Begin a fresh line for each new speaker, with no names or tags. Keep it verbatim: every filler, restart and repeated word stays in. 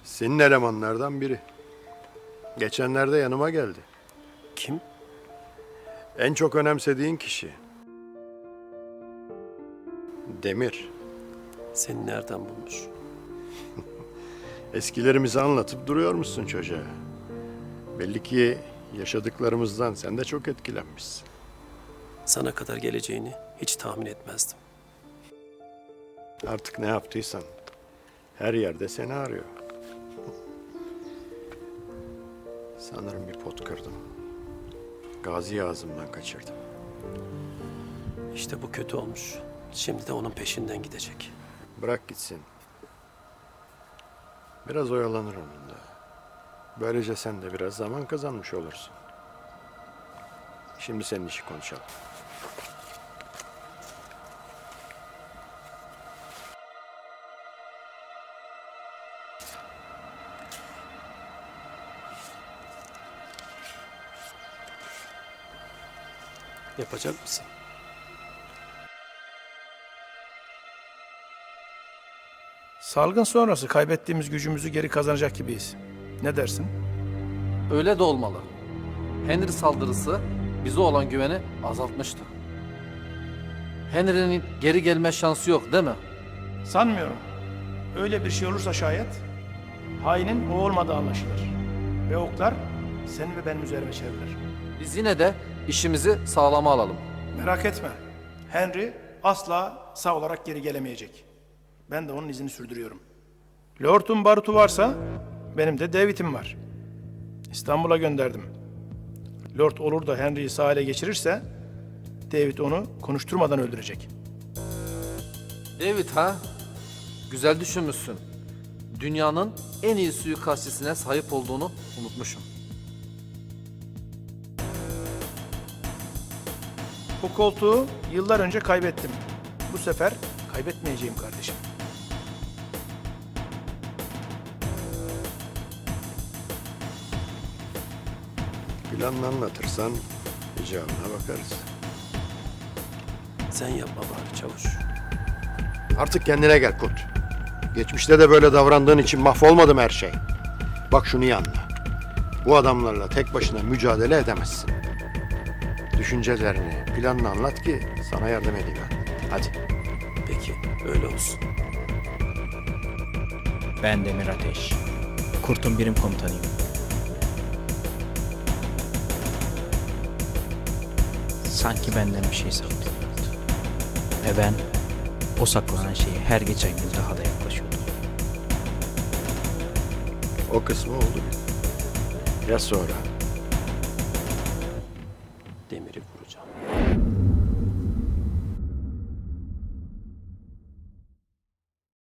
Senin elemanlardan biri. Geçenlerde yanıma geldi.
Kim?
En çok önemsediğin kişi. Demir.
Seni nereden bulmuş?
Eskilerimizi anlatıp duruyor musun çocuğa? Belli ki yaşadıklarımızdan sen de çok etkilenmişsin.
Sana kadar geleceğini hiç tahmin etmezdim.
Artık ne yaptıysan her yerde seni arıyor. Sanırım bir pot kırdım. Gazi'yi ağzımdan kaçırdım.
İşte bu kötü olmuş. Şimdi de onun peşinden gidecek.
Bırak gitsin. Biraz oyalanır onunla. Böylece sen de biraz zaman kazanmış olursun. Şimdi senin işi konuşalım.
Yapacak mısın?
Salgın sonrası kaybettiğimiz gücümüzü geri kazanacak gibiyiz. Ne dersin?
Öyle de olmalı. Henry saldırısı bize olan güveni azaltmıştı. Henry'nin geri gelme şansı yok değil mi?
Sanmıyorum. Öyle bir şey olursa şayet hainin o olmadığı anlaşılır. Ve oklar senin ve benim üzerime çevrilir.
Biz yine de işimizi sağlama alalım.
Merak etme. Henry asla sağ olarak geri gelemeyecek. Ben de onun izini sürdürüyorum. Lord'un barutu varsa benim de David'im var. İstanbul'a gönderdim. Lord olur da Henry'yi sağ ele geçirirse David onu konuşturmadan öldürecek.
David ha? Güzel düşünmüşsün. Dünyanın en iyi suikastçisine sahip olduğunu unutmuşum.
Bu koltuğu yıllar önce kaybettim. Bu sefer kaybetmeyeceğim kardeşim.
Planını anlatırsan icabına bakarız.
Sen yapma bari çavuş.
Artık kendine gel Kurt. Geçmişte de böyle davrandığın için mahvolmadı mı her şey? Bak şunu iyi anla. Bu adamlarla tek başına mücadele edemezsin. Düşüncelerini, planını anlat ki sana yardım edeyim ben. Hadi.
Peki öyle olsun.
Ben Demir Ateş. Kurt'un birim komutanıyım. Sanki benden bir şey saklıyordu. Ve ben o saklanan şeye her geçen gün daha da yaklaşıyordum.
O kısmı oldu. Ya sonra?
Demiri vuracağım.